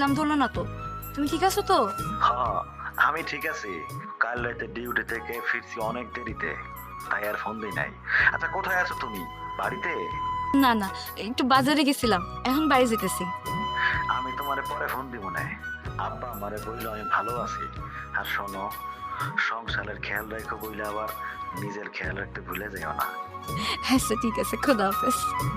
দিলাম, ধরলো না তো। তুমি ঠিক আছো তো? হ্যাঁ, আমি ঠিক আছি। কাল রাতে ডিউটি থেকে ফিরছি অনেক দেরিতে, তাই আর ফোন দিই নাই। আচ্ছা, কোথায় আছো তুমি? বাড়িতে? না না, একটু বাজারে গেছিলাম, এখন বাড়ি যেতেছি। আমি তোমারে পরে ফোন দিব না। আব্বা আমারে বললো আমি ভালো আছি। আর শোনো, সংসারের খেয়াল রাখো বইলে আবার নিজের খেয়াল রাখতে ভুলে যাও না। আচ্ছা ঠিক আছে, খোদা হাফেজ।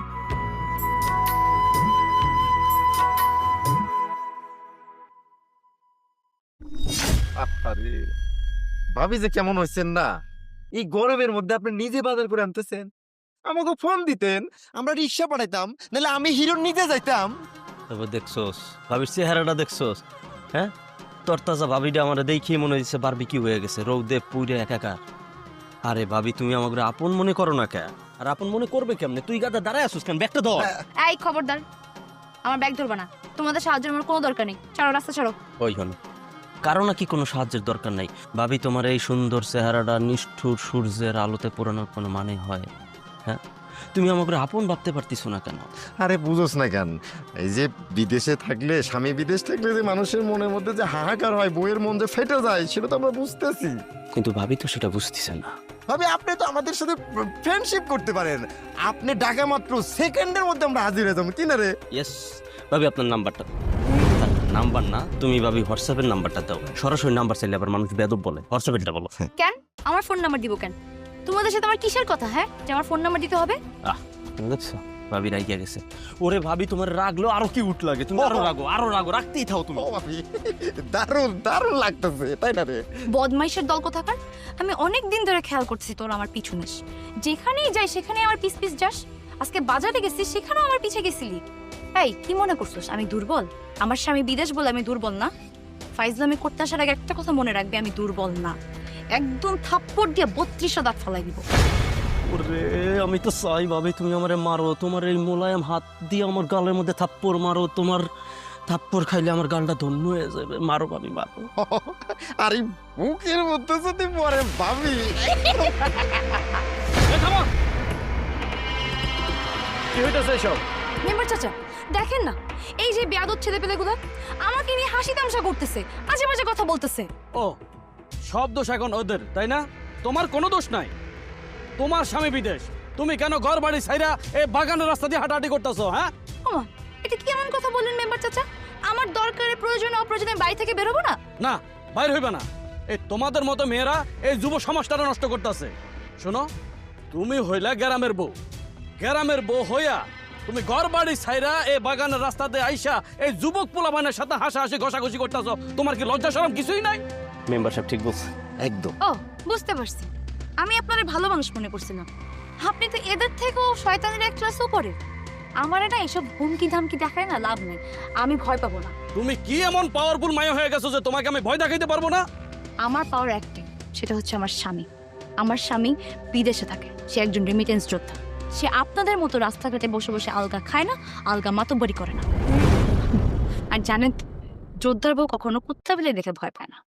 আরে ভাবি যে কেমন হয়েছেন না, এই গরমের মধ্যে আপনি নিজে বাজার করে আনতেছেন। আমাকে ফোন দিতেন, আমরা রিক্সা পাঠাইতাম, নাহলে আমি হিরোর নিজে যাইতাম। তবে দেখছোস ভাবির চেহারাটা দেখছোস? হ্যাঁ, তরতাজা ভাবিটা আমার দেখেই মনে হচ্ছে বারবিকিউ হয়ে গেছে, রৌদে পুইরে একাকার। আরে ভাবি, তুমি আমাকে আপন মনে করো না কে? আর আপন মনে করবে কেমনে? তুই গাদা দাঁড়ায় আসুস কেন? ব্যাগটা ধর। এই খবরদার, আমার ব্যাগ ধরবা না। তোমাদের সাহায্যের আমার কোনো দরকার নেই, ছাড়ো, রাস্তা ছাড়ো। ওই হন, কারো নাকি কোনো সাহায্যের দরকার নাই। ভাবি, তোমার এই সুন্দর চেহারাটা নিষ্ঠুর সূর্যের আলোতে পোড়ানোর কোনো মানে হয়? হ্যাঁ, তুমি আমাকে আপন ভাবতে পারতিছো না কেন? আরে বুঝোস না কেন, এই যে বিদেশে থাকলে, স্বামী বিদেশ থাকলে যে মানুষের মনের মধ্যে যে হাহাকার হয়, বইয়ের মন যে ফেটে যায়, সেটা তো আমরা বুঝতেছি। কিন্তু ভাবি তো সেটা বুঝতেছে না। ভাবি, আপনি তো আমাদের সাথে ফ্রেন্ডশিপ করতে পারেন। আপনি ডাকা মাত্র সেকেন্ডের মধ্যে আমরা হাজির হয়ে যাবো, কি না রে? ইয়েস ভাবি, আপনার নাম্বারটা। নাম্বার না, তুমি ভাবি হোয়াটসঅ্যাপের নাম্বারটা দাও। সরাসরি নাম্বার চাইলে আবার মানুষ বেদব বলে, হোয়াটসঅ্যাপেরটা বলো। কেন আমার ফোন নাম্বার দিব কেন? তোমাদের সাথে আমার কিসের কথা, হ্যাঁ, যে আমার ফোন নাম্বার দিতে হবে? দেখছো ভাবি রাগিয়া গেছে। ওরে ভাবি, তোমার রাগলো আরো কি উঠ লাগে, তুমি আরো রাগো, আরো রাগো, রাখতেই থাও তুমি। ও ভাবি, দারুণ দারুণ লাগতেছে, তাই না রে? বদমাইশের দল কোথাকার। আমি অনেক দিন ধরে খেয়াল করতেছি তোর আমার পিছু নিস, যেখানেই যাই সেখানে আমার পিছ পিছ যাস। আজকে বাজারে গেছিস, সেখানেও আমার পিছে গেছিলি। এই কি মনে করছিস আমি দুর্বল? আমার স্বামী বিদেশ বলে আমি দুর্বল না? ফাইজলামি করতে আসার আগে একটা কথা মনে রাখবে, আমি দুর্বল না। একদম থাপ্পড় দিয়ে 32 দাঁত ফালাই দিব। ওরে আমি তো চাই ভাবি তুমি আমারে মারো, তোমার এই মোলায়েম হাত দিয়ে আমার গালের মধ্যে থাপ্পড় মারো। তোমার থাপ্পড় খাইলে আমার গালটা ধন্য হয়ে যাবে। মারো ভাবি, মারো। আর এই বুকের মধ্যে যদি পরে ভাবি। কি হইতাছে এসব? মেম্বার চাচা দেখেন না, এই যে বেয়াদব ছেলেপেলেগুলো আমাকে নিয়ে হাসি তামসা করতেছে, আজে বাজে কথা বলতেছে। ও, সব দোষ এখন ওদের, তাই না? তোমার কোনো দোষ নাই। তোমার স্বামী বিদেশ, তুমি কেন ঘর বাড়ি ছাইরা এই বাগানের রাস্তা দিয়ে হাঁটাহাঁটি করতেছো? হ্যাঁ, ওমা, এটা কি এমন কথা বললেন মেম্বার চাচা? আমার দরকারে প্রয়োজনে অপ্রয়োজনে বাড়ি থেকে বেরোবো না? না, বাইর হইবে না। এই তোমাদের মতো মেয়েরা এই যুব সমাজটা নষ্ট করতেছে। শোনো, তুমি হইলা গ্রামের বউ। গ্রামের বউ হইয়া তুমি ঘর বাড়ি ছাইরা এই বাগানের রাস্তাতে আইসা এই যুবক পোলাপানের সাথে হাসাহাসি ঘষাঘষি করতেছো। তোমার কি লজ্জা শরম কিছুই নাই? মেম্বার সাহেব ঠিক বলছে, একদম। ও, বুঝতে পারছি। আমি আপনার ভালো মানুষ মনে করছিলাম, আপনি তো এদের থেকেও শয়তানের এক ক্লাস উপরে। আমার এটা এসব হুমকি ধামকি দেখায় না, লাভ নেই, আমি ভয় পাবো না। তুমি কি এমন পাওয়ারফুল মায়া হয়ে গেছো যে তোমাকে আমি ভয় দেখাইতে পারবো না? আমার পাওয়ার একটাই, সেটা হচ্ছে আমার স্বামী। আমার স্বামী বিদেশে থাকে, সে একজন রেমিটেন্স যোদ্ধা। সে আপনাদের মতো রাস্তাঘাটে বসে বসে আলগা খায় না, আলগা মাতব্বরি করে না। আর জানেন, যোদ্ধার বউ কখনো কুত্তা বিলে দেখে ভয় পায় না।